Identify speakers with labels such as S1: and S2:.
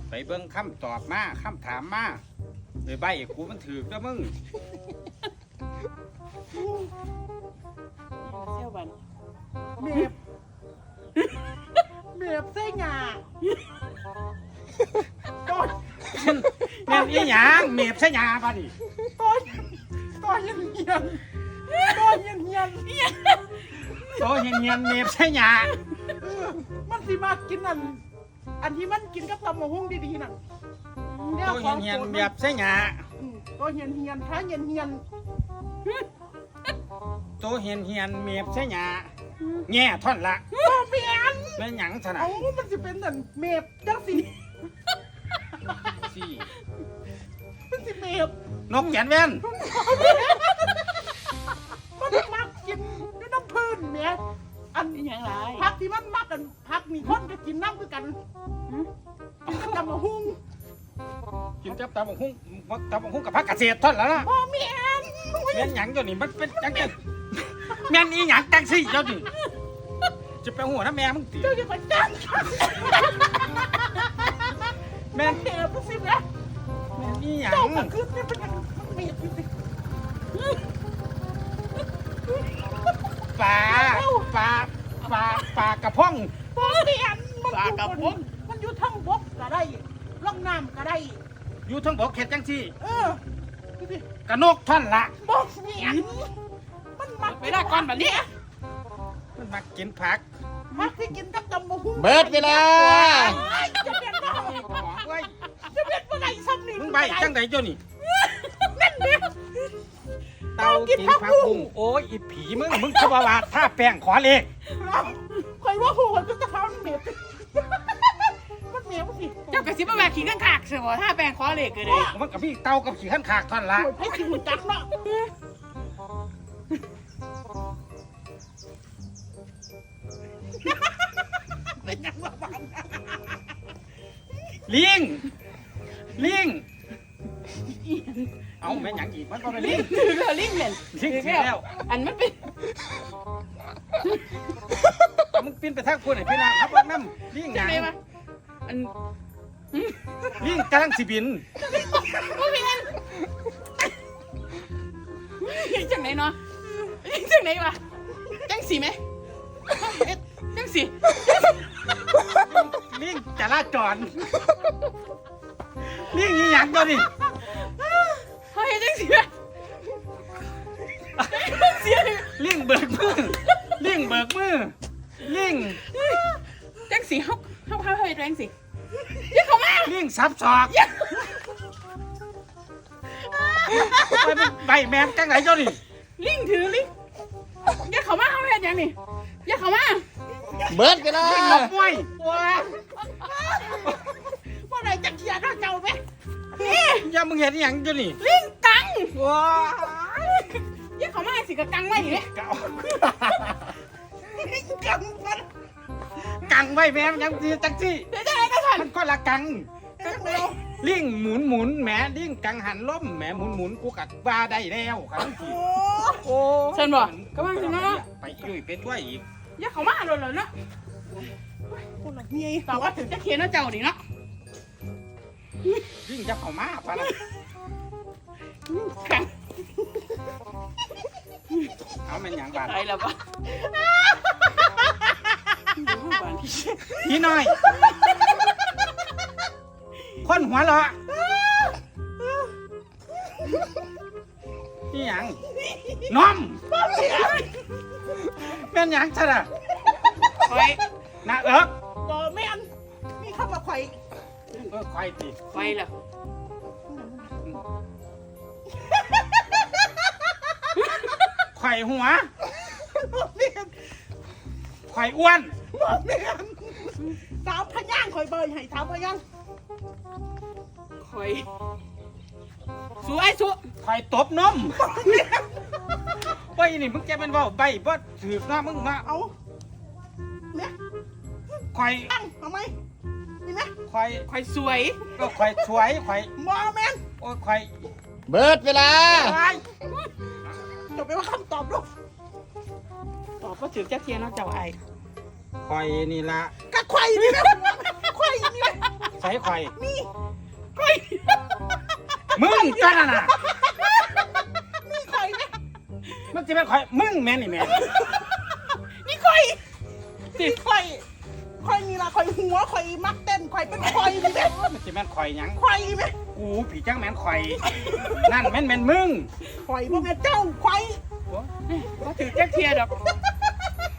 S1: ไปเบิ่งคำตอบมาคำถามมาไปใบกูมันถือแล้วมึง
S2: เซี่ยวบัน
S3: เมฟเมฟเส้นหยาต้น
S1: แม่นอีหยังเมฟใช่ยาป่ะนี่
S3: ต้นเฮียนต้นเฮียน
S1: โตเฮียนเมฟใช่ยา
S3: มันสิมากินอันที่มันกินกับตำมะฮุ่งดีๆน่ะ
S1: โตเฮียนเมฟใช่ยา
S3: ต้นเฮียนถ้าเฮียน
S1: โตเฮียนเมฟใช่ยาแง่ท่อนละ
S3: บ่เมียน
S1: แม่นหยังซะนะ
S3: เอามันสิเป็นเมฟจังสิ
S1: สี่
S3: มันสิเมฟ
S1: นกแกนแว่น
S3: มันมักกินด้วยน้ำพื้นเมียอัน
S2: นี่ยังไร
S3: พักที่มันมักกันพักมีคนก็กินน้ำคือกันกินกับตำมะฮุ่ง
S1: กินจับตาบังหุ้งกับพักเกษตรท่อนแล้วนะ
S3: บ่เมียน
S1: แม่นหยังเจ้านี่มันเป็นจังจังแม่นอีหยังจังสิเจ้านี่จะไปหัวน้าแม่มึงตี
S3: เจ้าอย่าไปจัง
S1: แม่น
S3: เมฟสิแม่
S1: แม่นอีหยัง
S3: เจ้าก็คือเป็นเมฟสิ
S1: ปลากระพง
S3: บ่เมียนมันอยู่ทั้งบกก็ได้ล่องน้ำก็ได้
S1: อยู่ทั้งบกเข็ดจังสิ
S3: ดูดิ
S1: กระนกท่อนละ
S3: บกเมียนมันมัก
S2: เวลาก่อนแบบนี้
S1: มันมากินผัก
S3: มักที่กินกับตำมะฮุ่ง
S4: เบิดเวลา
S3: จะเป็นได้
S1: เว้ย
S3: จะเป็นบ่ได้ซ้ำนี่
S1: มึงใบจังไหนเจ้านี่
S3: นั่นเด้อ
S1: เตากินผักบุ้งโอ้ยอีผีมึงเขาบอกว่าถ้าแป้งขอเลข
S3: คอยว่าหัวจะทำเมียมันเมียมันสิ
S2: เจ้ากระซิบมาแบกขี้ข้างขากเสียบ่ถ้าแปลงคอเหล็กเลย
S1: มันกับพี่เตากับขี่ขั้นขากท่อนละ
S3: โอ้ยให้สิหัวจักเนาะ เป็นยังว่าบ้าน
S1: ลิงเอาแม่นหยังอีกมันก็เป็นลิง
S2: ถือแล้วลิงเนี่ย
S1: ลิงเสียแล้ว
S2: อันมันเป็น
S1: มึงปีนไปทางคนไหนพี่นางครับว่าน้ำลิงห
S2: จั
S1: ยัง ง
S2: ไงวะอัน
S1: ลิงกำลังสิบิน
S2: โอ้ยอันจังไหนเนาะจังไหนวะจังสีไหมจังสี
S1: ลิงจราจรลิงอีหยังตัวนี่
S2: เฮ้ยจังสีไหมจังสี
S1: ลิงเบิกมือลิง
S2: จังสีเขาเฮ้ยจังสียังเขามา
S1: ลิงซับศอกไปเป็นใบแมมจังไหนเจ้านี่
S2: ลิงถือลิงยังเขามาเขาเห็นยังนี่ยังเขามา
S4: เบิดเวลา
S1: ลิงหลบมวย
S3: ว่าไหนจะเขียนเจ้าไหม
S1: อย่ามึงเห็นอีหยังเจ้านี่
S2: ลิงกัง
S1: ว้า
S2: ยังเขามาสิกะกังไว้อยู่เนี่ย
S1: เก่า
S3: กังมัน
S1: กังไว้แมมยังสิจังสิ
S2: เดี๋ยวจะอะไรกันทัน
S1: มันก็ละกัง
S3: เร็ว
S1: ลิงหมุนแหมลิงกังหันล้มแหมหมุนกูกัดว่าได้แล้วครับพี่
S3: โอ้
S1: โอ้
S2: เชิญบ่ก็มาสินะ
S1: ไปยุ่ยไปด้วยอีก
S2: ยังเขามาเลยเนาะ
S3: คนละเมีย
S2: ต่อว่าถึงจะเขียนเนาะเจ้าดิเนาะ
S1: ลิงจะเข้ามาปะนะ
S2: กัง
S1: เอาเป็นอย่างบาด
S2: อะไรแล้วปะ
S1: พี่น้อย คนหัวเราะนี่หยังน้อมแม่นหยังซะน่ะ
S2: คอย
S1: นะเอิบ
S3: บ่แม่นมีคำว่าไข่
S1: ควายติ
S2: ไปแล้ว
S1: ควายหัว
S3: บ่แม่น
S1: ควายอ้วน
S3: บ่แม่นสาวพย่างคอยเบยให้สาวพย่าง
S2: คอยสู้ไอ้สู้
S1: ควายตบนมว่าอีนี่มึงแกเป็นเว่าใบบ่ถือกหน้ามึงมา
S3: เอาเนี่ย
S1: ควาย
S3: ตั้งเอาไหมนี่ไหม
S1: ควาย
S2: คอยสวย
S1: ก็ควายสวยควาย
S3: บ่แม่น
S1: โอ้ยควาย
S4: เบิดเวลา
S1: ควาย
S3: จบไปว่าคำตอบลูก
S2: ตอบว่าถึงจะเขียนเนาะเจ้าไอ้
S1: ควายนี่ละ
S3: กะไข่นี่นะไข่นี่นะ
S1: ใส่ข่อย
S3: นี่
S2: ข่อย
S1: มึงจ้าน่ะ
S3: นี่ข่อยไหม
S1: มันจะเป็นข่อยมึงแม่นี่แม่
S3: นี่ข่อย
S2: สิ
S3: นี่ข่อยข่อยนี่ล่ะข่อยหัวข่อยมักเต้นข่อยเป็นข่อยนี่แม่
S1: มันจะแม่นข่อยหยัง
S3: ข่อยไหม
S1: กูผีจังแม่นข่อยนั่นแม่นมึง
S3: ข่อยบ่แม่นเจ้าข่อย
S2: ว่าถือแจ็คเทียดอก